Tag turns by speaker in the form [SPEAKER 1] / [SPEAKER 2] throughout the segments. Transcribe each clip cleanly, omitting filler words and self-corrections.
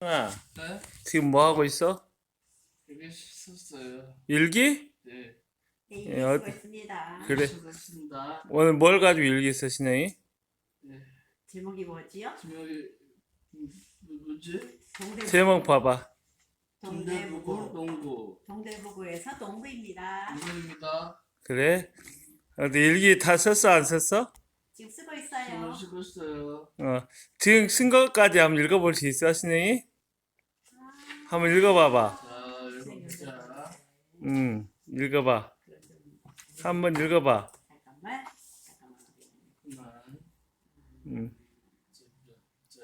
[SPEAKER 1] 아,
[SPEAKER 2] 네?
[SPEAKER 1] 지금 뭐 하고 있어?
[SPEAKER 2] 여기 썼어요.
[SPEAKER 1] 일기?
[SPEAKER 2] 네.
[SPEAKER 3] 네,
[SPEAKER 1] 예,
[SPEAKER 3] 수고 있습니다.
[SPEAKER 1] 그래.
[SPEAKER 2] 썼습니다.
[SPEAKER 1] 오늘 뭘 가지고 일기 쓰시네?
[SPEAKER 2] 네.
[SPEAKER 3] 제목이 뭐지요?
[SPEAKER 2] 제목이 뭐지?
[SPEAKER 1] 제목 봐봐.
[SPEAKER 2] 동대부구 농구.
[SPEAKER 3] 동대부구에서 농구입니다.
[SPEAKER 2] 농구입니다.
[SPEAKER 1] 그래? 근데 일기 다 썼어, 안 썼어?
[SPEAKER 3] 지금 쓰고
[SPEAKER 2] 지금
[SPEAKER 3] 있어요.
[SPEAKER 2] 쓰고 있어요.
[SPEAKER 1] 지금 쓴 것까지 한번 읽어볼 수 있어, 신영이? 한번 읽어봐봐.
[SPEAKER 2] 자, 읽어보자.
[SPEAKER 1] 읽어봐. 한번 읽어봐.
[SPEAKER 3] 잠깐만.
[SPEAKER 2] 그만.
[SPEAKER 1] 음.
[SPEAKER 2] 자,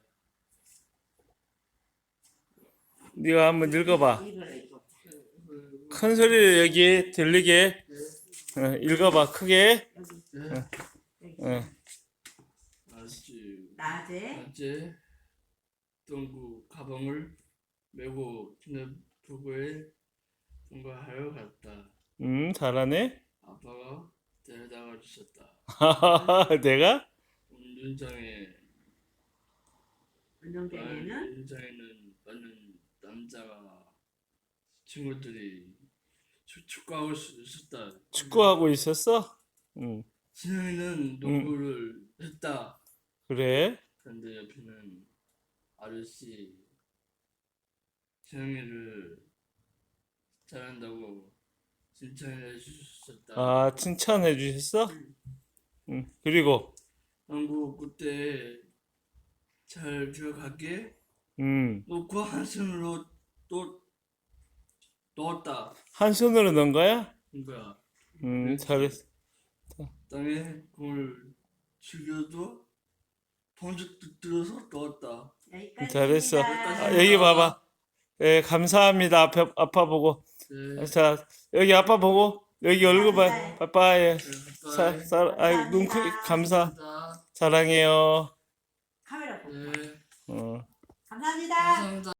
[SPEAKER 1] 네가 한번 읽어봐.
[SPEAKER 3] 이걸 읽어보자.
[SPEAKER 1] 큰 소리로 여기 들리게 읽어봐, 크게.
[SPEAKER 2] 네.
[SPEAKER 3] 여기.
[SPEAKER 2] 아주
[SPEAKER 3] 낮에
[SPEAKER 2] 낮에 동구 가방을 메고 동대부구에 통과하여 갔다.
[SPEAKER 1] 잘하네.
[SPEAKER 2] 아빠가 데려다가 주셨다.
[SPEAKER 1] 내가?
[SPEAKER 2] 운동장에
[SPEAKER 3] 운동장에는
[SPEAKER 2] 운동장에는 많은 남자가 친구들이 축구하고 있었다.
[SPEAKER 1] 축구하고 있었어?
[SPEAKER 2] 진영이는 농구를 했다.
[SPEAKER 1] 그래?
[SPEAKER 2] 그런데 옆에는 아저씨 진영이를 잘한다고 칭찬해 주셨다.
[SPEAKER 1] 아, 칭찬해 주셨어? 그리고,
[SPEAKER 2] 농구 그때 잘 들어가게 놓고 한 손으로 또 넣었다.
[SPEAKER 1] 한 손으로 넣은 거야?
[SPEAKER 2] 그거야.
[SPEAKER 1] 잘했어.
[SPEAKER 2] 땅에 공을 죽여도 번쩍 들어서 넣었다.
[SPEAKER 3] 여기까지.
[SPEAKER 1] 잘했어.
[SPEAKER 2] 여기까지.
[SPEAKER 1] 여기 봐봐. 예, 감사합니다. 아빠 보고.
[SPEAKER 2] 네.
[SPEAKER 1] 자, 여기 아빠 보고. 여기 얼굴 봐. 빠빠이.
[SPEAKER 2] 네,
[SPEAKER 1] 눈 크게 감사.
[SPEAKER 2] 감사합니다.
[SPEAKER 1] 사랑해요.
[SPEAKER 3] 카메라 보고.
[SPEAKER 2] 네.
[SPEAKER 3] 감사합니다.
[SPEAKER 2] 감사합니다.